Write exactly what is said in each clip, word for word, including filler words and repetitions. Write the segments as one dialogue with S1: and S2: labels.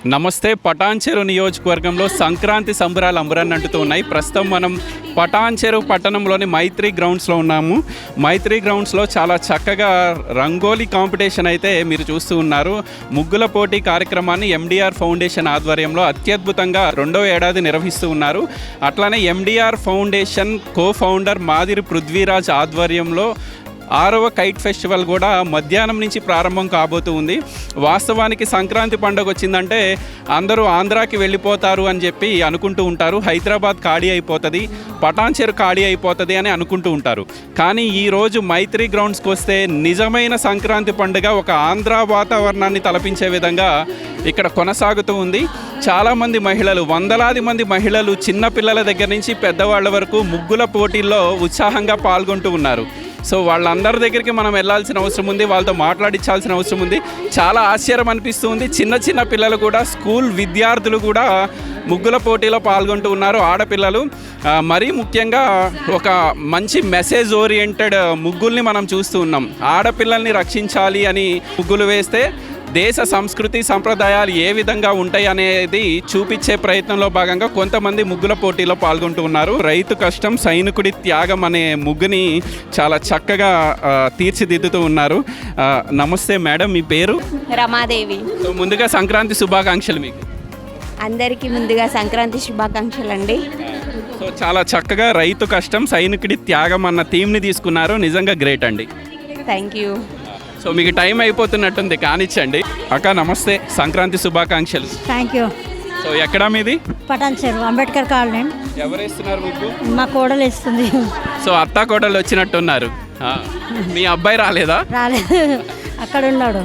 S1: నమస్తే. పటాన్చెరు నియోజకవర్గంలో సంక్రాంతి సంబరాలు అంబరాన్నంటుతూ ఉన్నాయి. ప్రస్తుతం మనం పటాన్చెరు పట్టణంలోని మైత్రి గ్రౌండ్స్లో ఉన్నాము. మైత్రి గ్రౌండ్స్లో చాలా చక్కగా రంగోలీ కాంపిటీషన్ అయితే మీరు చూస్తూ ఉన్నారు. ముగ్గుల పోటీ కార్యక్రమాన్ని ఎండిఆర్ ఫౌండేషన్ ఆధ్వర్యంలో అత్యద్భుతంగా రెండో ఏడాది నిర్వహిస్తూ ఉన్నారు. అట్లానే ఎండిఆర్ ఫౌండేషన్ కో ఫౌండర్ మాదిరి పృథ్వీరాజ్ ఆధ్వర్యంలో ఆరవ కైట్ ఫెస్టివల్ కూడా మధ్యాహ్నం నుంచి ప్రారంభం కాబోతూ ఉంది. వాస్తవానికి సంక్రాంతి పండుగ వచ్చిందంటే అందరూ ఆంధ్రాకి వెళ్ళిపోతారు అని చెప్పి అనుకుంటూ ఉంటారు. హైదరాబాద్ ఖాళీ అయిపోతుంది, పటాన్చెరు ఖాళీ అయిపోతుంది అని అనుకుంటూ ఉంటారు. కానీ ఈరోజు మైత్రి గ్రౌండ్స్కి వస్తే నిజమైన సంక్రాంతి పండుగ ఒక ఆంధ్ర వాతావరణాన్ని తలపించే విధంగా ఇక్కడ కొనసాగుతూ ఉంది. చాలామంది మహిళలు, వందలాది మంది మహిళలు చిన్నపిల్లల దగ్గర నుంచి పెద్దవాళ్ళ వరకు ముగ్గుల పోటీల్లో ఉత్సాహంగా పాల్గొంటూ ఉన్నారు. సో వాళ్ళందరి దగ్గరికి మనం వెళ్ళాల్సిన అవసరం ఉంది, వాళ్ళతో మాట్లాడించాల్సిన అవసరం ఉంది. చాలా ఆశ్చర్యం అనిపిస్తుంది. చిన్న చిన్న పిల్లలు కూడా, స్కూల్ విద్యార్థులు కూడా ముగ్గుల పోటీలో పాల్గొంటూ ఉన్నారు. ఆడపిల్లలు మరీ ముఖ్యంగా ఒక మంచి మెసేజ్ ఓరియంటెడ్ ముగ్గుల్ని మనం చూస్తూ ఉన్నాం. ఆడపిల్లల్ని రక్షించాలి అని ముగ్గులు వేస్తే దేశ సంస్కృతి సంప్రదాయాలు ఏ విధంగా ఉంటాయి అనేది చూపించే ప్రయత్నంలో భాగంగా కొంతమంది ముగ్గుల పోటీలో పాల్గొంటూ ఉన్నారు. రైతు కష్టం సైనికుడి త్యాగం అనే ముగ్గుని చాలా చక్కగా తీర్చిదిద్దుతూ ఉన్నారు. నమస్తే మేడం, మీ పేరు?
S2: రమాదేవి.
S1: సో ముందుగా సంక్రాంతి శుభాకాంక్షలు మీకు.
S2: అందరికీ ముందుగా సంక్రాంతి శుభాకాంక్షలు అండి.
S1: సో చాలా చక్కగా రైతు కష్టం సైనికుడి త్యాగం అన్న థీమ్ని తీసుకున్నారు. నిజంగా గ్రేట్ అండి.
S2: Thank you.
S1: సో మీకు టైం అయిపోతున్నట్టుంది, కానిచ్చండి. అక్క నమస్తే, సంక్రాంతి శుభాకాంక్షలు.
S3: Thank you.
S1: సో ఎక్కడా మీది?
S3: పటాన్చెరు అంబేద్కర్ కాలనీ.
S1: ఎవరు ఇస్తున్నారు మీకు?
S3: మా కోడలు ఇస్తుంది.
S1: సో అత్తా కోడలు వచ్చినట్టున్నారు. మీ అబ్బాయి రాలేదా?
S3: రాలేదు, అక్కడ ఉన్నాడు.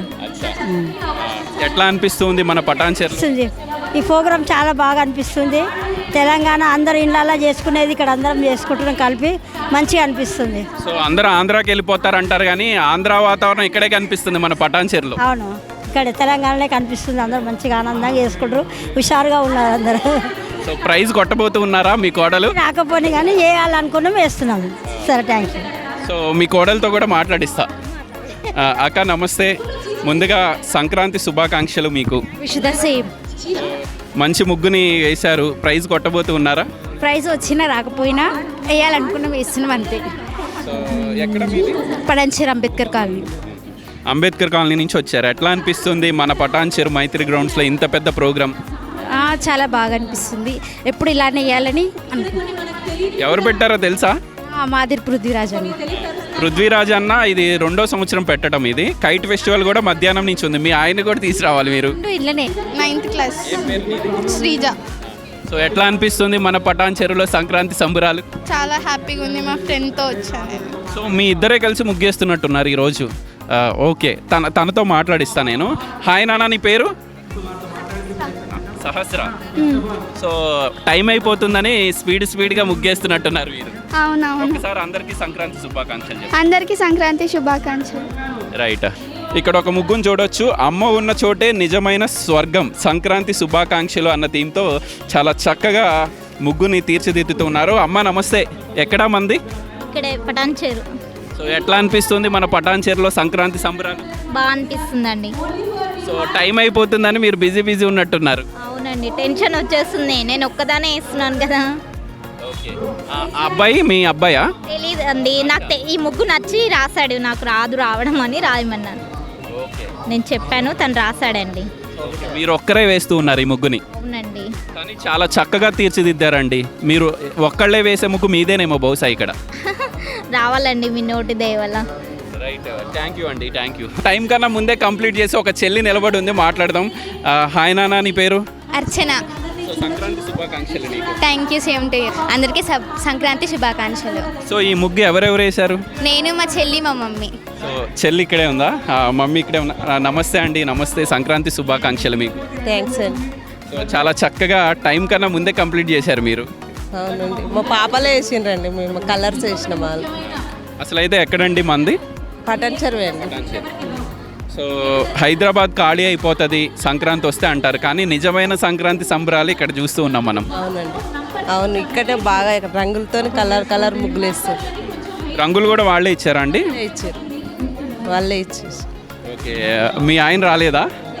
S1: ఎట్లా అనిపిస్తుంది మన పటాన్చెరు?
S3: ఈ ప్రోగ్రాం చాలా బాగా అనిపిస్తుంది. తెలంగాణ అందరు ఇళ్ళల్లో చేసుకునేది ఇక్కడ అందరం చేసుకుంటున్నాం కలిపి, మంచిగా అనిపిస్తుంది.
S1: సో అందరూ ఆంధ్రాకి వెళ్ళిపోతారు అంటారు, కానీ ఆంధ్ర వాతావరణం ఇక్కడే కనిపిస్తుంది మన పటాన్చెరులో.
S3: అవును, ఇక్కడ తెలంగాణలో కనిపిస్తుంది. అందరూ మంచిగా ఆనందంగా చేసుకుంటారు, హుషారుగా ఉన్నారు అందరూ.
S1: సో ప్రైజ్ కొట్టబోతూ ఉన్నారా మీ కోడలు?
S3: రాకపోయినా కానీ వేయాలనుకున్నాం, వేస్తున్నాం. సరే, థ్యాంక్ యూ.
S1: సో మీ కోడలతో కూడా మాట్లాడిస్తా. అక్క నమస్తే, ముందుగా సంక్రాంతి శుభాకాంక్షలు మీకు.
S2: విషుద సేమ్.
S1: మంచి ముగ్గుని వేశారు, ప్రైజ్ కొట్టబోతూ ఉన్నారా?
S2: ప్రైజ్ వచ్చినా రాకపోయినా వేయాలనుకున్నాం, వేస్తున్నాం అంతే.
S1: సో ఎక్కడ మీది?
S2: పటాన్చెరు అంబేద్కర్ కాలనీ.
S1: అంబేద్కర్ కాలనీ నుంచి వచ్చారు. ఎట్లా అనిపిస్తుంది మన పటాన్చెరు మైత్రి గ్రౌండ్స్లో ఇంత పెద్ద ప్రోగ్రామ్?
S2: చాలా బాగా అనిపిస్తుంది. ఎప్పుడు ఇలానే వేయాలని అనుకుంటున్నాం.
S1: ఎవరు పెట్టారో తెలుసా?
S2: మాదిరి పృథ్వీరాజ్ అని.
S1: పృథ్వీరాజ్ అన్న ఇది రెండో సంవత్సరం పెట్టడం. ఇది కైట్ ఫెస్టివల్ కూడా మధ్యాహ్నం నుంచి ఉంది. మీ ఆయన కూడా తీసుకురావాలి మీరు.
S2: ఇళ్ళనే నైన్త్ క్లాస్. శ్రీజ.
S1: సో ఎట్లా అనిపిస్తుంది మన పటాన్చెరులో సంక్రాంతి సంబరాలు?
S2: చాలా హ్యాపీగా ఉంది. మా ఫ్రెండ్తో వచ్చాను.
S1: సో మీ ఇద్దరే కలిసి ముగ్గేస్తున్నట్టున్నారు ఈరోజు. ఓకే, తన తనతో మాట్లాడిస్తా నేను. హాయ్ నాన్న, నీ పేరు? సహస్ర. సో టైం అయిపోతుందని స్పీడ్ స్పీడ్గా ముగ్గేస్తున్నట్టున్నారు మీరు.
S2: అవునవును.
S1: ఒకసారి అందరికీ సంక్రాంతి శుభాకాంక్షలు.
S2: అందరికీ సంక్రాంతి శుభాకాంక్షలు.
S1: రైట్, ఇక్కడ ఒక ముగ్గును చూడొచ్చు. అమ్మ ఉన్న చోటే నిజమైన స్వర్గం, సంక్రాంతి శుభాకాంక్షలు అన్న థీమ్తో చాలా చక్కగా ముగ్గుని తీర్చిదిద్దుతున్నారు. అమ్మ నమస్తే, ఎక్కడా మంది?
S4: ఇక్కడే పటాన్చెరు.
S1: సో ఎట్లా అనిపిస్తుంది మన పటాన్చెరులో సంక్రాంతి సంబరాలు?
S4: బాగా అనిపిస్తుందండి.
S1: సో టైం అయిపోతుందని మీరు బిజీ బిజీ ఉన్నట్టున్నారు.
S4: అవునండి, టెన్షన్ వచ్చేస్తుంది. నేను ఒక్కదానే వేస్తున్నాను కదా.
S1: ఓకే, అబ్బాయి మీ అబ్బాయా?
S4: తెలీదు అండి, నాకు తె- ఈ ముగ్గు నచ్చి రాశాడు. నాకు రాదు రావడం అని రాయమన్నాను. నేను చెప్పాను, తను రాశాడండి.
S1: మీరు ఒక్కరే వేస్తూ ఉన్నారు ఈ ముగ్గుని?
S4: అవునండి.
S1: కానీ చాలా చక్కగా తీర్చిదిద్దారండి. మీరు ఒక్కళ్ళే వేసే ముగ్గు మీదేనేమో బహుశా ఇక్కడ.
S4: రావాలండి మీ నోటి దయ వల్ల.
S1: రైట్, థ్యాంక్ యూ అండి, థ్యాంక్ యూ. టైం కన్నా ముందే కంప్లీట్ చేసి ఒక చెల్లి నిలబడి ఉంది, మాట్లాడదాం. హాయ్ నాన్న, నీ పేరు?
S2: అర్చన.
S1: సంక్రాంతి శుభాకాంక్షలు నీకు.
S2: Thank you, same to you. అందరికీ సంక్రాంతి శుభాకాంక్షలు.
S1: సో ఈ ముగ్గు ఎవరెవరు వేశారు?
S2: నేను, మా చెల్లి, మా మమ్మీ.
S1: సో చెల్లి ఇక్కడే ఉందా? మమ్మీ ఇక్కడే ఉందా? నమస్తే అండి. నమస్తే, సంక్రాంతి శుభాకాంక్షలు మీకు.
S5: థ్యాంక్స్ అండి.
S1: సో చాలా చక్కగా టైం కన్నా ముందే కంప్లీట్ చేశారు మీరు.
S5: అవునండి, మా పాపలే వేసిండ్రండి, మేము కలర్స్ వేసిన వాళ్ళు.
S1: అసలు అయితే ఎక్కడండి మంది?
S5: పటాన్చెరు అండి.
S1: సో హైదరాబాద్ ఖాళీ అయిపోతుంది సంక్రాంతి వస్తే అంటారు, కానీ నిజమైన సంక్రాంతి సంబరాలు ఇక్కడ చూస్తూ ఉన్నాం మనం.
S5: అవునండి, అవును, ఇక్కడే బాగా రంగులతో కలర్ కలర్ ముగ్గులు వేస్తారు.
S1: రంగులు కూడా వాళ్ళే ఇచ్చారా అండి?
S5: ఇచ్చారు, వాళ్ళే ఇచ్చేసి.
S1: ఓకే, మీ ఆయన రాలేదా?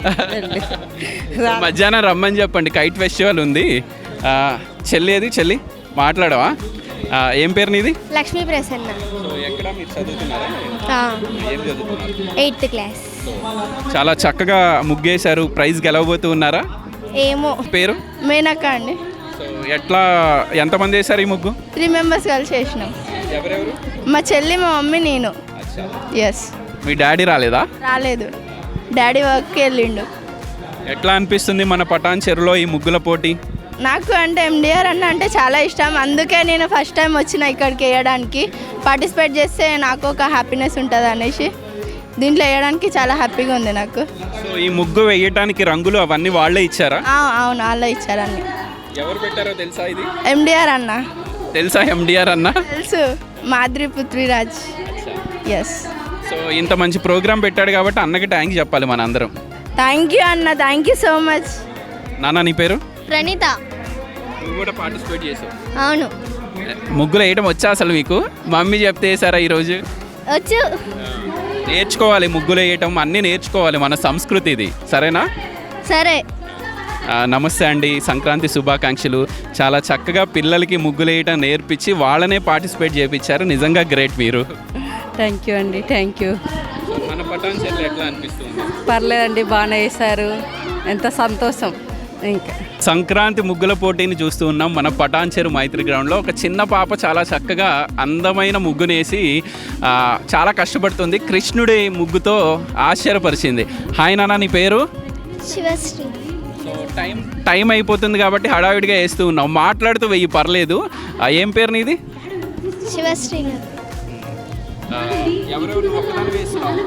S1: మధ్యాహ్నం రమ్మని చెప్పండి, కైట్ ఫెస్టివల్ ఉంది. ఆ, చెల్లి ఏది చెల్లి మాట్లాడవా? ఆ, ఏం పేరు నీది?
S6: లక్ష్మీ ప్రసన్న,
S1: సో ఎక్కడ మీరు చదువుతున్నారా? ఏం చదువుతున్నారు?
S6: Eighth class.
S1: చాలా చక్కగా ముగ్గేశారు. ప్రైజ్ గెలవబోతూ ఉన్నారా?
S6: ఏమో.
S1: పేరు?
S6: మేనక్క అండి.
S1: సో ఎట్లా ఎంతమంది వేశారు ఈ ముగ్గు?
S6: త్రీ మెంబర్స్ కలిసి చేసినాం.
S1: ఎవరెవరు?
S6: మా చెల్లి, మా మమ్మీ, నేను. ఎస్.
S1: మీ డాడీ రాలేదా?
S6: రాలేదు, డాడీ వర్క్కి వెళ్ళిండు.
S1: ఎట్లా అనిపిస్తుంది మన పటాన్ చెరువులో ఈ ముగ్గుల పోటీ?
S6: నాకు అంటే ఎండిఆర్ అన్న అంటే చాలా ఇష్టం, అందుకే నేను ఫస్ట్ టైం వచ్చిన ఇక్కడికి వేయడానికి. పార్టిసిపేట్ చేస్తే నాకు ఒక హ్యాపీనెస్ ఉంటుంది అనేసి దీంట్లో వేయడానికి చాలా హ్యాపీగా ఉంది నాకు.
S1: సో ఈ ముగ్గు వేయటానికి రంగులు అవన్నీ వాళ్ళే ఇచ్చారా?
S6: ఆ, అవును, వాళ్ళే ఇచ్చారని.
S1: ఎవరు పెట్టారో తెలుసా? ఇది
S6: ఎండిఆర్ అన్న
S1: తెలుసా? ఎండిఆర్ అన్న
S6: తెలుసు, మాద్రి పృథ్వీరాజ్. ఎస్.
S1: సో ఇంత మంచి ప్రోగ్రామ్ పెట్టాడు కాబట్టి అన్నకి థ్యాంక్స్ చెప్పాలి మన అందరం.
S6: థ్యాంక్ యూ అన్న, థ్యాంక్ యూ సో మచ్.
S1: నాన్న నీ పేరు?
S4: ప్రణీత.
S1: నువ్వు కూడా పార్టిసిపేట్ చేసావు?
S4: అవును,
S1: ముగ్గులు వేయడం వచ్చా అసలు మీకు? మమ్మీ చెప్తే వేసారా ఈరోజు?
S4: వచ్చు.
S1: నేర్చుకోవాలి, ముగ్గులు వేయటం అన్నీ నేర్చుకోవాలి, మన సంస్కృతి ఇది. సరేనా?
S4: సరే.
S1: ఆ, నమస్తే అండి, సంక్రాంతి శుభాకాంక్షలు. చాలా చక్కగా పిల్లలకి ముగ్గులు వేయటం నేర్పించి వాళ్ళనే పార్టిసిపేట్ చేయించారు. నిజంగా గ్రేట్ మీరు.
S5: థ్యాంక్ యూ అండి, థ్యాంక్ యూ.
S1: మన పటాన్ చెరువు ఎట్లా అనిపిస్తుంది?
S5: పర్లేదండి, బాగానే వేశారు. ఎంత సంతోషం. ఇంకా
S1: సంక్రాంతి ముగ్గుల పోటీని చూస్తూ ఉన్నాం మన పటాన్ చెరువు మైత్రి గ్రౌండ్లో. ఒక చిన్న పాప చాలా చక్కగా అందమైన ముగ్గునేసి ఆ, చాలా కష్టపడుతుంది. కృష్ణుడి ముగ్గుతో ఆశ్చర్యపరిచింది. హాయ్ నాన్న, నీ పేరు?
S6: శివశ్రీ.
S1: సో టైం టైం అయిపోతుంది కాబట్టి హడావిడిగా వేస్తూ ఉన్నాం. మాట్లాడుతూ వెయ్యి పర్లేదు. ఆ, ఏం పేరు నీది?
S6: శివశ్రీ.
S1: ఆ, ఎవరెవరు ఒక్కదానివే వేస్తున్నావు?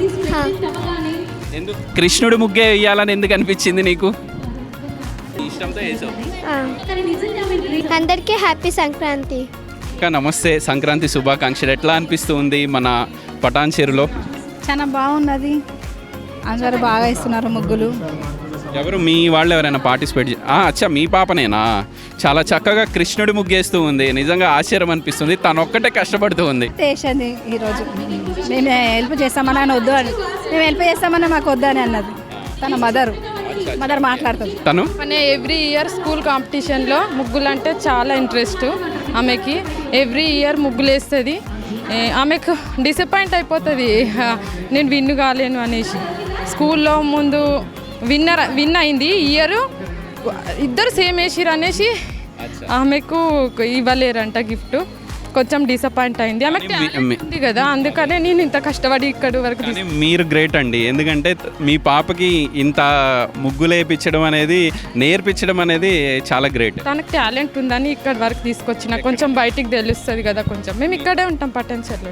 S1: ఎందుకు కృష్ణుడి ముగ్గే వేయాలని ఎందుకు అనిపించింది నీకు? ఇష్టంతో వేసావు.
S6: అందరికీ హ్యాపీ సంక్రాంతి.
S1: అక్క నమస్తే, సంక్రాంతి శుభాకాంక్షలు. ఎట్లా అనిపిస్తుంది మన పటాన్ చెరువులో?
S7: చాలా బాగున్నది, అందరూ బాగా ఇస్తున్నారు ముగ్గులు.
S1: ఎవరు మీ వాళ్ళు ఎవరైనా పార్టిసిపేట్ చే- ఆ, అచ్చా మీ పాపనేనా? చాలా చక్కగా కృష్ణుడి ముగ్గేస్తూ ఉంది. నిజంగా ఆశ్చర్యం అనిపిస్తుంది. తను ఒక్కటే కష్టపడుతూ ఉంది.
S7: చేసింది ఈరోజు, మేము హెల్ప్ చేస్తామని ఆయన వద్దు అని, మేము హెల్ప్ చేస్తామని మాకు వద్దు అని అన్నది తన మదర్. మదర్ మాట్లాడుతుంది.
S1: తను
S8: అనే ఎవ్రీ ఇయర్ స్కూల్ కాంపిటీషన్లో ముగ్గులు అంటే చాలా ఇంట్రెస్ట్ ఆమెకి. ఎవ్రీ ఇయర్ ముగ్గులు వేస్తుంది. ఆమెకు డిసప్పాయింట్ అయిపోతుంది నేను విన్ కాలేను అనేసి. స్కూల్లో ముందు విన్నర్ విన్ అయింది, ఇయర్ ఇద్దరు సేమ్ వేసిరు అనేసి ఆమెకు ఇవ్వలేరంట గిఫ్ట్. కొంచెం డిసప్పాయింట్ అయింది. ఆమెకు talent ఉంది కదా, అందుకనే నేను ఇంత కష్టపడి ఇక్కడి వరకు
S1: కానీ మీరు గ్రేట్ అండి. ఎందుకంటే మీ పాపకి ఇంత ముగ్గులు వేయించడం అనేది, నేర్పించడం అనేది చాలా గ్రేట్.
S8: తనకు టాలెంట్ ఉందని ఇక్కడి వరకు తీసుకొచ్చిన. కొంచెం బయటికి తెలుస్తుంది కదా. కొంచెం మేము ఇక్కడే ఉంటాం పటాన్చెరులో.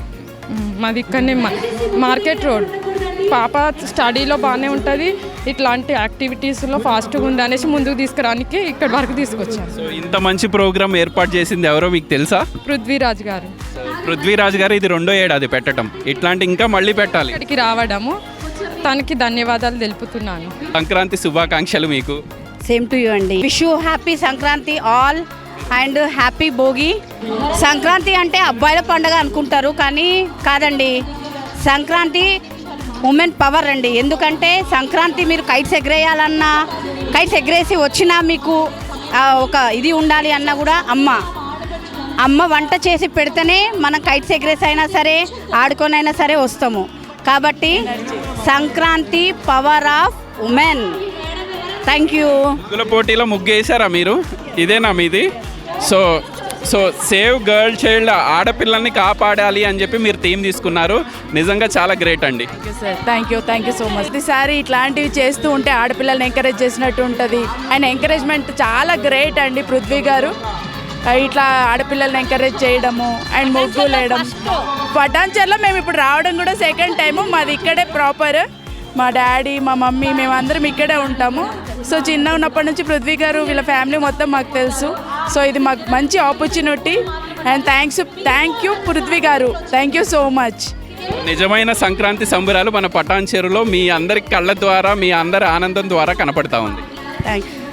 S8: మాది ఇక్కడనే మార్కెట్ రోడ్. పాప స్టడీలో బాగానే ఉంటుంది, ఇట్లాంటి యాక్టివిటీస్లో ఫాస్ట్గా ఉంది అనేసి ముందుకు తీసుకురానికి ఇక్కడి వరకు తీసుకొచ్చాను.
S1: సో ఇంత మంచి ప్రోగ్రామ్ ఏర్పాటు చేసింది ఎవరో మీకు తెలుసా?
S8: పృథ్వీరాజ్ గారు.
S1: పృథ్వీరాజ్ గారు ఇది రెండో ఏడాది పెట్టడం. ఇట్లాంటి ఇంకా మళ్ళీ పెట్టాలి.
S8: ఇక్కడికి రావడము తనకి ధన్యవాదాలు తెలుపుతున్నాను.
S1: సంక్రాంతి శుభాకాంక్షలు మీకు.
S3: సేమ్ టు యూ అండి. Wish you happy Sankranti all and happy Bhogi. Sankranti అంటే అబ్బాయిల పండుగ అనుకుంటారు, కానీ కాదండి. సంక్రాంతి ఉమెన్ పవర్ అండి. ఎందుకంటే సంక్రాంతి మీరు కైట్స్ ఎగరేయాలన్నా, కైట్స్ ఎగరేసి వచ్చినా మీకు ఆ, ఒక ఇది ఉండాలి అన్నా కూడా అమ్మ అమ్మ వంట చేసి పెడితేనే మనం కైట్స్ ఎగరేసి అయినా సరే, ఆడుకొనైనా సరే వస్తాము. కాబట్టి Sankranti power of women. Thank you.
S1: ముగ్గుల పోటీలో ముగ్గు వేసారా మీరు? ఇదేనా మీది? So so save girl child, ఆడపిల్లల్ని కాపాడాలి అని చెప్పి మీరు థీమ్ తీసుకున్నారు. నిజంగా చాలా గ్రేట్ అండి.
S7: Sir thank you, thank you so much. ఈసారి ఇట్లాంటివి చేస్తూ ఉంటే ఆడపిల్లల్ని ఎంకరేజ్ చేసినట్టు ఉంటుంది. ఆయన ఎంకరేజ్మెంట్ చాలా గ్రేట్ అండి పృథ్వీ గారు. ఇట్లా ఆడపిల్లల్ని ఎంకరేజ్ చేయడము అండ్ ముగ్గులు వేయడం. పటాన్చెరులో మేము ఇప్పుడు రావడం కూడా సెకండ్ టైము. మాది ఇక్కడే ప్రాపర్. మా డాడీ, మా మమ్మీ, మేమందరం ఇక్కడే ఉంటాము. సో చిన్న ఉన్నప్పటి నుంచి పృథ్వీ గారు వీళ్ళ ఫ్యామిలీ మొత్తం మాకు తెలుసు. సో ఇది మాకు మంచి opportunity and thanks thank you Prithvi గారు. Thank you so much.
S1: నిజమైన సంక్రాంతి సంబరాలు మన పటాన్ చెరువులో మీ అందరి కళ్ళ ద్వారా, మీ అందరి ఆనందం ద్వారా కనపడతా ఉంది.
S7: Thank you.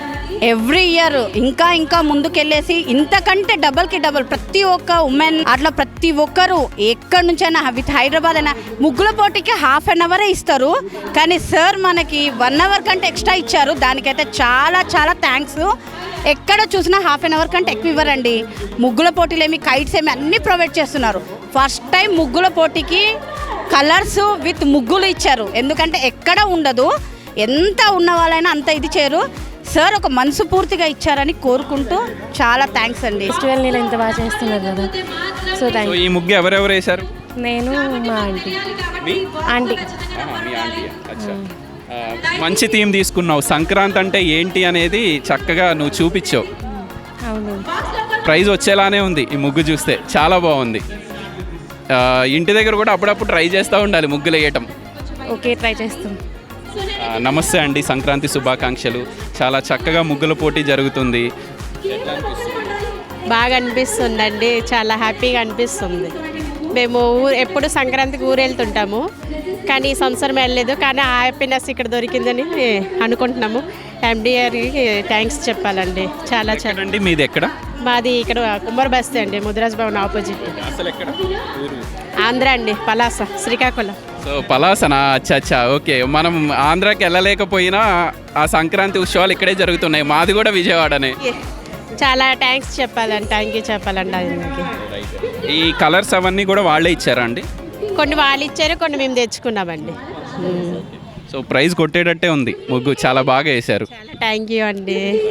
S3: ఎవ్రీ ఇయర్ ఇంకా ఇంకా ముందుకెళ్ళేసి ఇంతకంటే డబల్కి డబల్ ప్రతి ఒక్క ఉమెన్ అట్లా ప్రతి ఒక్కరు ఎక్కడి నుంచైనా విత్ హైదరాబాద్ అయినా ముగ్గుల పోటీకి హాఫ్ అన్ అవరే ఇస్తారు, కానీ సార్ మనకి వన్ అవర్ కంటే ఎక్స్ట్రా ఇచ్చారు. దానికైతే చాలా చాలా థ్యాంక్స్. ఎక్కడ చూసినా హాఫ్ అన్ అవర్ కంటే ఎక్కువ ఇవ్వరండి. ముగ్గుల పోటీలు ఏమి, కైట్స్ ఏమి అన్నీ ప్రొవైడ్ చేస్తున్నారు. ఫస్ట్ టైం ముగ్గుల పోటీకి కలర్స్ విత్ ముగ్గులు ఇచ్చారు. ఎందుకంటే ఎక్కడ ఉండదు, ఎంత ఉన్న వాళ్ళైనా అంత ఇది చేయరు. సార్ ఒక మనసు పూర్తిగా ఇచ్చారని కోరుకుంటూ చాలా థ్యాంక్స్ అండి.
S9: ఫెస్టివల్ నేను ఇంత బాగా చేస్తున్నారు కదా, సో థ్యాంక్
S1: సో ఈ ముగ్గు ఎవరెవరు వేశారు?
S9: నేను మా ఆంటీ
S1: మీ
S9: ఆంటీ
S1: ఆహా, మీ ఆంటీ. అచ్చా. ఆ, మంచి థీమ్ తీసుకున్నావు. సంక్రాంతి అంటే ఏంటి అనేది చక్కగా నువ్వు చూపించావు.
S9: అవును.
S1: ప్రైజ్ వచ్చేలానే ఉంది ఈ ముగ్గు చూస్తే, చాలా బాగుంది. ఆ, ఇంటి దగ్గర కూడా అప్పుడప్పుడు ట్రై చేస్తూ ఉండాలి ముగ్గులు వేయటం.
S9: ఓకే, ట్రై చేస్తాం.
S1: ఆ, నమస్తే అండి, సంక్రాంతి శుభాకాంక్షలు. చాలా చక్కగా ముగ్గుల పోటీ జరుగుతుంది.
S10: బాగా అనిపిస్తుందండి, చాలా హ్యాపీగా అనిపిస్తుంది. మేము ఊరు ఎప్పుడు సంక్రాంతికి ఊరు వెళ్తుంటాము, కానీ ఈ సంవత్సరం వెళ్ళలేదు. కానీ ఆ హ్యాపీనెస్ ఇక్కడ దొరికిందని అనుకుంటున్నాము. ఎండిఆర్కి థ్యాంక్స్ చెప్పాలండి. చాలా చాలా
S1: అండి మీది ఎక్కడ?
S10: మాది ఇక్కడ కుమ్మర బస్తీ అండి, ముదిరాజ్ భవన్ ఆపోజిట్.
S1: అసలు ఎక్కడ ఊరు?
S10: ఆంధ్ర అండి, పలాస, శ్రీకాకుళం.
S1: సో పలాసనా? అచ్చా అచ్చా, ఓకే. మనం ఆంధ్రాకి వెళ్ళలేకపోయినా ఆ సంక్రాంతి ఉత్సవాలు ఇక్కడే జరుగుతున్నాయి. మాది కూడా విజయవాడనే.
S10: చాలా థ్యాంక్స్ చెప్పాలండి, థ్యాంక్ యూ చెప్పాలండి ఆయనకి.
S1: ఈ కలర్స్ అవన్నీ కూడా వాళ్ళే ఇచ్చారా అండి?
S10: కొన్ని వాళ్ళు ఇచ్చారు, కొన్ని మేము తెచ్చుకున్నామండి.
S1: సో ప్రైజ్ కొట్టేటట్టే ఉంది ముగ్గు, చాలా బాగా వేశారు.
S10: థ్యాంక్ యూ అండి.